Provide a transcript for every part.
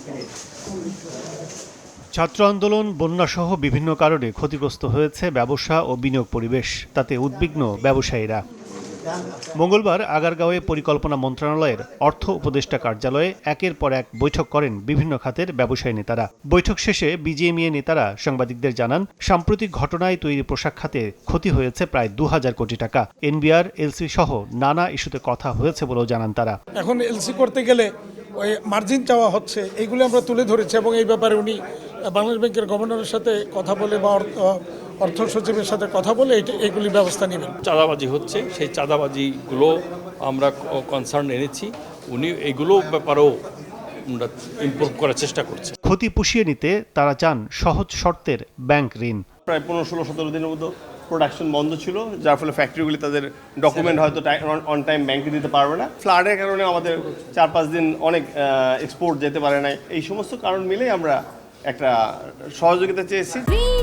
ছাত্র আন্দোলন, বন্যাসহ বিভিন্ন কারণে ক্ষতিগ্রস্ত হয়েছে ব্যবসা ও বিনিয়োগ পরিবেশ। তাতে উদ্বিগ্ন ব্যবসায়ীরা। মঙ্গলবার আগারগাঁওয়ে পরিকল্পনা মন্ত্রণালয়ের অর্থ উপদেষ্টা কার্যালয়ে একের পর এক বৈঠক করেন বিভিন্ন খাতের ব্যবসায়ী নেতারা। বৈঠক শেষে বিজিএমইএ নেতারা সাংবাদিকদের জানান, সাম্প্রতিক ঘটনায় তৈরি পোশাক খাতে ক্ষতি হয়েছে প্রায় ২,০০০ কোটি টাকা। এনবিআর, এলসি সহ নানা ইস্যুতে কথা হয়েছে বলেও জানান তারা। এখন এলসি করতে গেলে ওই মার্জিন চাওয়া হচ্ছে, এইগুলো আমরা তুলে ধরেছি এবং এই ব্যাপারে উনি বাংলাদেশ ব্যাংকের গভর্নরের সাথে কথা বলে বা অর্থ সচিবের সাথে কথা বলে এইগুলি ব্যবস্থা নেবেন। চাঁদাবাজি হচ্ছে, সেই চাঁদাবাজিগুলো আমরা কনসার্ন এনেছি, উনি এগুলো ব্যাপারেও ইমপ্রুভ করার চেষ্টা করছে। ক্ষতি পুষিয়ে নিতে তারা চান সহজ শর্তের ব্যাংক ঋণ। প্রায় ১৫-১৬-১৭ দিনের মতো প্রোডাকশন বন্ধ ছিল, যার ফলে ফ্যাক্টরিগুলি তাদের ডকুমেন্ট হয়তো অন টাইম ব্যাংকে দিতে পারবে না। ফ্লাডের কারণে আমাদের ৪-৫ দিন অনেক এক্সপোর্ট যেতে পারে নাই। এই সমস্ত কারণ মিলেই আমরা একটা সহযোগিতা চেয়েছি।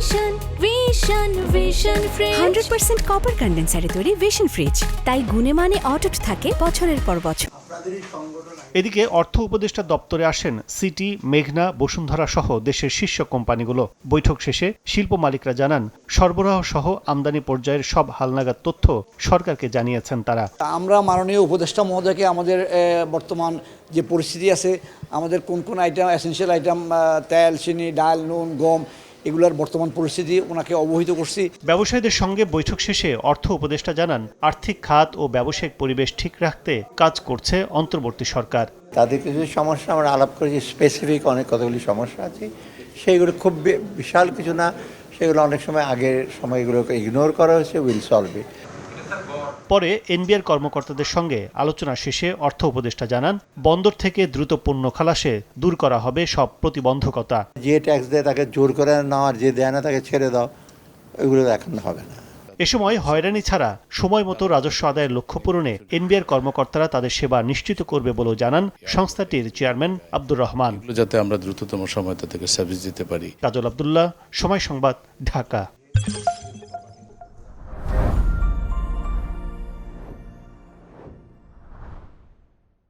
100% কপার কন্ডেন্সারে তৈরি ভিশন ফ্রিজ, তাই গুণে মানে অটুট থাকে বছরের পর বছর। এদিকে অর্থ উপদেষ্টা দপ্তরে আসেন সিটি, মেঘনা, বসুন্ধরা সহ দেশের শীর্ষ কোম্পানিগুলো। বৈঠক শেষে শিল্প মালিকরা জানান, সরবরাহ সহ আমদানি পর্যায়ের সব হালনাগাদ তথ্য সরকারকে জানিয়েছেন তারা। আমরা মাননীয় উপদেষ্টা মহোদয়কে আমাদের বর্তমান যে পরিস্থিতি আছে, আমাদের কোন কোন আইটেম, এসেনশিয়াল আইটেম, তেল, চিনি, ডাল, নুন, গম, এগুলোর বর্তমান পরিস্থিতি ওনাকে অবহিত করছি। ব্যবসায়ীদের সঙ্গে বৈঠক শেষে অর্থ উপদেষ্টা জানান, আর্থিক খাত ও ব্যবসায়িক পরিবেশ ঠিক রাখতে কাজ করছে অন্তর্বর্তী সরকার। তাদের কিছু সমস্যা আমরা আলাপ করেছি, স্পেসিফিক অনেক কতগুলি সমস্যা আছে, সেইগুলো খুব বিশাল কিছু না, সেগুলো অনেক সময় আগের সময়গুলোকে ইগনোর করা হয়েছে, উইল সলভ ইট। পরে এনবিআর কর্মকর্তাদের সঙ্গে আলোচনা শেষে অর্থ উপদেষ্টা জানান, বন্দর থেকে দ্রুত পণ্য খালাসে দূর করা হবে সব প্রতিবন্ধকতা। যে ট্যাক্স দেয় তাকে জোর করে নেওয়া, আর যে দেয় না তাকে ছেড়ে দাও, এগুলো এখন হবে না। এ সময় হয়রানি ছাড়া সময় মতো রাজস্ব আদায়ের লক্ষ্য পূরণে এনবিআর কর্মকর্তারা তাদের সেবা নিশ্চিত করবে বলেও জানান সংস্থাটির চেয়ারম্যান আব্দুর রহমান। যাতে আমরা দ্রুততম সময় তাদেরকে সার্ভিস দিতে পারি। কাজল আব্দুল্লাহ, সময় সংবাদ, ঢাকা।